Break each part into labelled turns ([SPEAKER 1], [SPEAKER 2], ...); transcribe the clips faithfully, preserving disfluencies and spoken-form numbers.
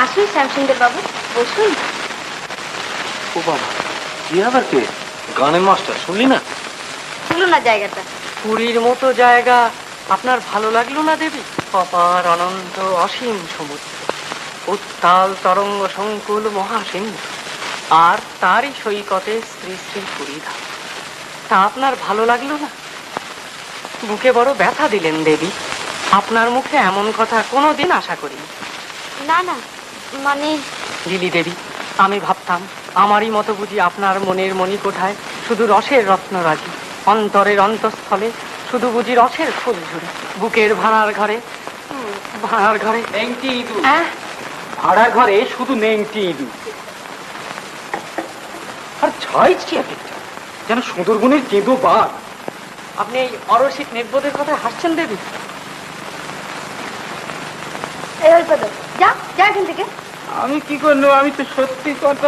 [SPEAKER 1] আসুন শ্যামসুন্দর বাবু, বসুন।
[SPEAKER 2] ও বাবা, কি আবার কে? গানের মাস্টার, শুনলি না?
[SPEAKER 1] শুনুন না জায়গাটা।
[SPEAKER 3] পুরীর মতো জায়গা আপনার ভালো লাগলো না দেবী? অপার অনন্ত অসীম সমুদ্র, উত্তাল তরঙ্গ সংকুল মহাসিন্ধু, আর তারই সৈকতে শ্রী শ্রী পুরীধাম। তা আপনার ভালো লাগলো না? বুকে বড় ব্যথা দিলেন দেবী। আপনার মুখে এমন কথা কোনোদিন আশা করিনি।
[SPEAKER 1] না না, মানে
[SPEAKER 3] লিলি দেবী, আমি ভাবতাম আমারই মতো বুঝি আপনার মনের মণিকোঠায় শুধু রসের রত্নরাজি, অন্তরের অন্তঃস্থলে শুধু বুঝি রসের ফুল ঝুড়ি, বুকের ভাড়ার ঘরে ভাড়ার ঘরে
[SPEAKER 2] নেংটি ইঁদুর।
[SPEAKER 3] হ্যাঁ,
[SPEAKER 2] ভাড়ার ঘরে শুধু নেংটি ইঁদুর। আর ছাইছি এক একটা, যেন সুন্দরবনের কেঁদো বাঘ।
[SPEAKER 3] আপনি এই অরসিক নির্বোধের কথা হাসছেন দেবী?
[SPEAKER 1] এই অল্প তো, যা যা এখান থেকে।
[SPEAKER 2] আমি কি করলো? আমি তো সত্যি কথা।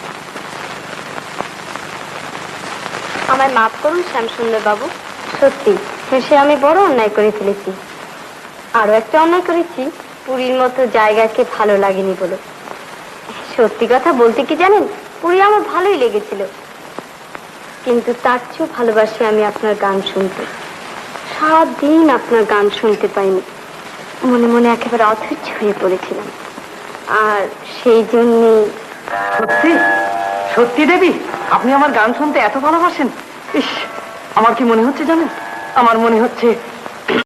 [SPEAKER 1] আমায় মাফ করুন শ্যামসুন্দর বাবু, সত্যি শেষে আমি বড় অন্যায় করে ফেলেছি। আরো একটা অন্যায় করেছি, পুরীর মতো জায়গাকে ভালো লাগেনি বলে। সত্যি কথা বলতে কি জানেন, পুরী আমার ভালোই লেগেছিল, কিন্তু তার চেয়েও ভালোবাসি আমি আপনার গান শুনতে। সারাদিন আপনার গান শুনতে পাইনি, মনে মনে একেবারে অধৈর্য হয়ে পড়েছিলাম। আর সেই জন্যই।
[SPEAKER 3] সত্যি সত্যি দেবী, আপনি আমার গান শুনতে এত ভালোবাসেন? ইস, আমার কি মনে হচ্ছে জানেন? আমার মনে হচ্ছে